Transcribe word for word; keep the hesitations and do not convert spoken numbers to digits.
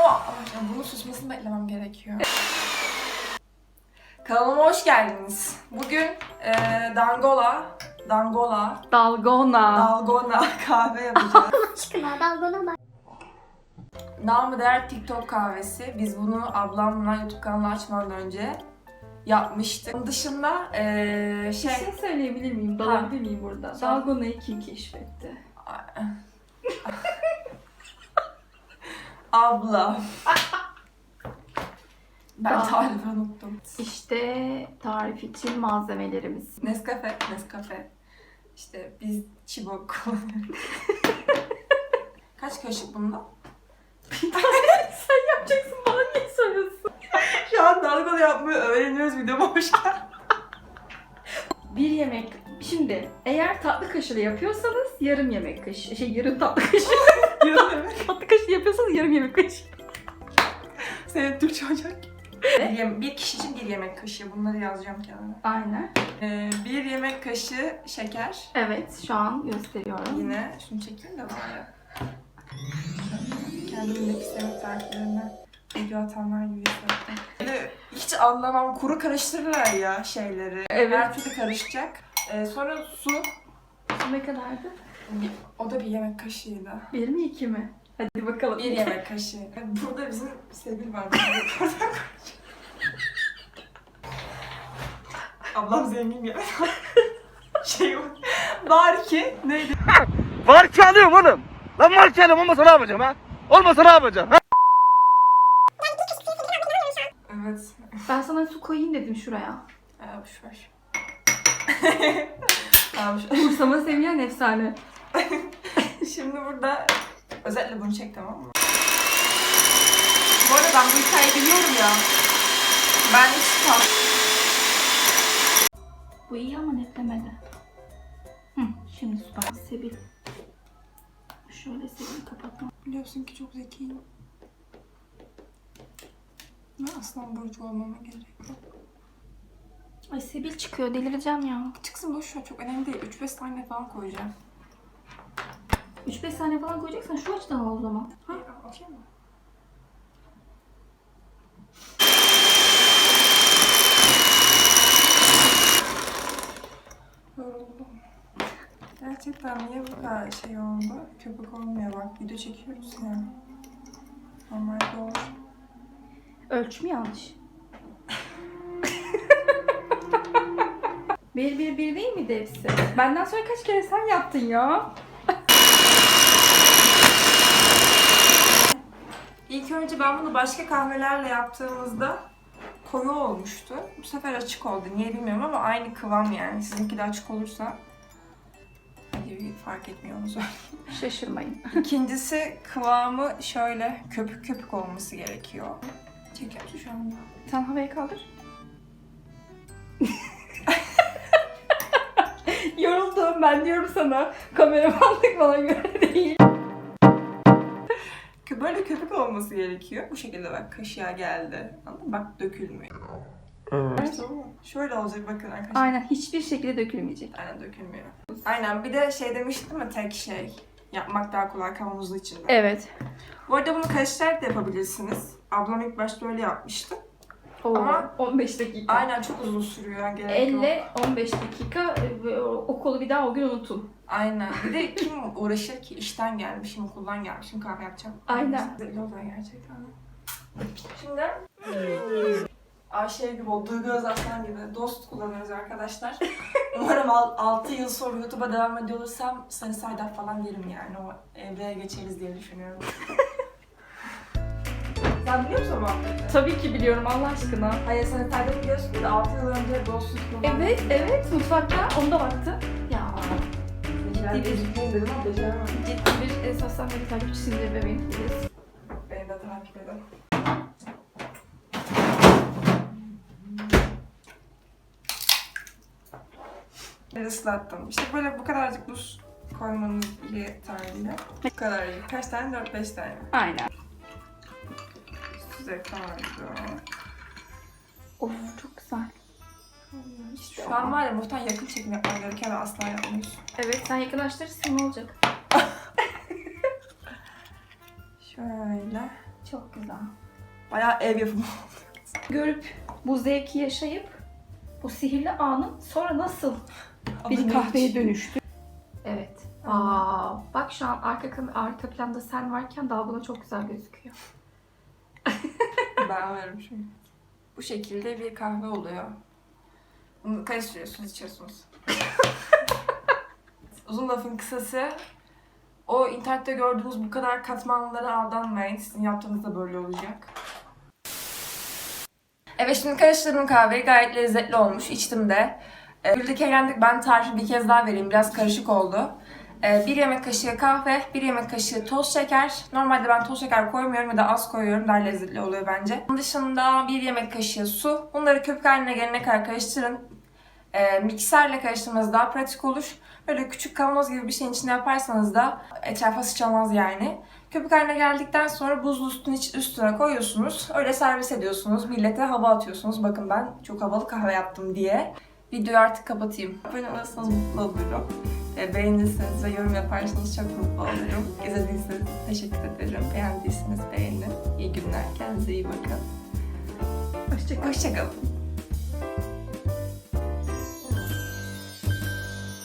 Ya bunun susmasını beklemem gerekiyor. Kanalıma hoş geldiniz. Bugün e, Dangola, Dangola, Dalgona. Dalgona kahve yapacağız. Aşkına dalgona bak. Namı değer TikTok kahvesi. Biz bunu ablamla YouTube kanalı açmadan önce yapmıştık. Onun dışında e, şey... Bir şey söyleyebilir miyim? Dalabilir miyim burada? Sor. Dalgona'yı kim keşfetti? Abla. Ben Aa. tarifi unuttum. İşte tarif için malzemelerimiz. Nescafe, Nescafe. İşte biz çibok kullanıyoruz. Kaç kaşık bunda? Sen yapacaksın, bana niye soruyorsun? Şu an dalgalı yapmayı öğreniyoruz, videoma hoş geldin. Bir yemek. Şimdi eğer tatlı kaşığı yapıyorsanız yarım yemek kaşığı. Şey yarım tatlı kaşığı. Yarım yemek. Tatlı kaşığı yapıyorsanız yarım yemek kaşığı. Senin Türkçe ocak. Bir, yem- bir kişi için bir yemek kaşığı. Bunları yazacağım kenara. Aynen. Ee, bir yemek kaşığı şeker. Evet, şu an gösteriyorum. Yine şunu çekeyim de bari. Kendimin nefis yemek tariflerinden video atanlar gibi hissettim. Böyle hiç anlamam, kuru karıştırırlar ya şeyleri. Evet. Her türlü karışacak. Ee, sonra su. Su ne kadardı? Bir- O da bir yemek kaşığıydı. Bir mi iki mi? Hadi bakalım. Bir yemek kaşığı. Burada bizim Sevil var. Ablam zengin ya. Şey o. Bari ki neydi? Var ki alıyorum oğlum. Lan var ki alıyorum, olmasa ne yapacağım ha? Olmasa ne yapacağım ha? Evet. Ben sana su koyayım dedim şuraya. Aa, boş ver. Tamam, şu- Umursama seviyen efsane. Şimdi burada özellikle bunu çek, tamam mı? Bu arada ben bu hikayeyi biliyorum ya. Ben hiç tam... Bu iyi ama netlemedi. Hı, şimdi süper. Sebil. Şöyle Sebil'i kapatma. Biliyorsun ki çok zekiyim. Ve aslan burcu olmama gerek yok. Ay Sebil çıkıyor, delireceğim ya. Çıksın, boş ver, çok önemli değil. üç beş tane falan koyacağım. üç beş saniye falan koyacaksan şu açıdan al o zaman. Ha, okey mi? Yoruldum. Gerçekten niye bu kadar şey oldu? Köpük olmuyor bak. Video çekiyoruz ya. Normalde olur. Ölçüm yanlış. bir bir bir değil miydi hepsi? Benden sonra kaç kere sen yaptın ya? İlk önce ben bunu başka kahvelerle yaptığımızda koyu olmuştu. Bu sefer açık oldu. Niye bilmiyorum ama aynı kıvam yani. Sizinki de açık olursa hadi fark etmiyor onu söyleyeyim. Şaşırmayın. İkincisi kıvamı şöyle köpük köpük olması gerekiyor. Çekiyorsun şu anda. Sen havaya kaldır. Yoruldum, ben diyorum sana. Kameramanlık bana göre değil. Böyle köpük olması gerekiyor. Bu şekilde bak kaşığa geldi. Anladın mı? Bak dökülmüyor. Evet. Tamam mı? Şöyle olacak bakın arkadaşlar. Aynen, hiçbir şekilde dökülmeyecek. Aynen dökülmüyor. Aynen, bir de şey demiştim mi, tek şey. Yapmak daha kolay kavanozun içinde. Evet. Bu arada bunu karıştırarak da yapabilirsiniz. Ablam ilk başta öyle yapmıştı. Oo, Ama- on beş dakika. Aynen, çok uzun sürüyor. Yani gerek yok. elle on beş dakika ve o- okulu bir daha o gün unutun. Aynen. Bir de kim uğraşır ki? İşten gelmişim, okuldan gelmişim, kahve yapacağım. Aynen. Güzel oluyor gerçekten. Şimdi Ayşe gibi, o Duygu Özaslan gibi dost kullanıyoruz arkadaşlar. Umarım altı yıl sonra YouTube'a devam ediyor olursam Sani Saydap falan derim yani. O evreye geçeriz diye düşünüyorum. Sen biliyor musun o muhabbeti? Tabii ki biliyorum, Allah aşkına. Hayır, Sani Saydap biliyorsun ki de altı yıl önce dostluk kullanıyoruz. Evet, evet. Mutfakta onu da baktı. Ya. Ciddi bir dedim ama beceremem. Ciddi bir e, sosyal medya takipçisindir bebeğim. Yes. Beni de takip edin. Ben ıslattım. İşte böyle bu kadarcık buz koymanız yeterli. Bu kadar iyi. Kaç tane? dört beş tane. Aynen. Size kaldı. Of, çok güzel. Şu an var ya, muhtemelen yakın çekim yapmam gerekiyor ve asla yapmıyorsun. Evet, sen yakınlaştırırsın, ne olacak? Şöyle Çok güzel. Bayağı ev yapımı. Görüp bu zevki yaşayıp bu sihirli anın sonra nasıl bir kahveye dönüştü. Evet. Aa, bak şu an arka kam- arka planda sen varken dalgona çok güzel gözüküyor. Ben varım şimdi. Bu şekilde bir kahve oluyor. Bunu karıştırıyorsunuz, içiyorsunuz. Uzun lafın kısası, o internette gördüğünüz bu kadar katmanlara aldanmayın. Sizin yaptığınız da böyle olacak. Evet, şimdi karıştırdığım kahve gayet lezzetli olmuş. İçtim de. Ee, Güldük eğlendik. Ben tarifi bir kez daha vereyim. Biraz karışık oldu. Ee, bir yemek kaşığı kahve, bir yemek kaşığı toz şeker. Normalde ben toz şeker koymuyorum ya da az koyuyorum. Daha lezzetli oluyor bence. Bunun dışında bir yemek kaşığı su. Bunları köpük haline gelene kadar karıştırın. Ee, mikserle karıştırmanız daha pratik olur. Böyle küçük kavanoz gibi bir şeyin içine yaparsanız da etrafa sıçramaz yani. Köpük haline geldikten sonra buzlu üstüne, üstüne koyuyorsunuz. Öyle servis ediyorsunuz. Millete hava atıyorsunuz. Bakın ben çok havalı kahve yaptım diye. Videoyu artık kapatayım. Abone olursanız mutlu olurum. E, beğenirseniz ve yorum yaparsanız çok mutlu olurum. İzlediyseniz teşekkür ederim. Beğendiyseniz beğenin. İyi günler. Kendinize iyi bakın. Hoşçakalın. Hoşçakalın.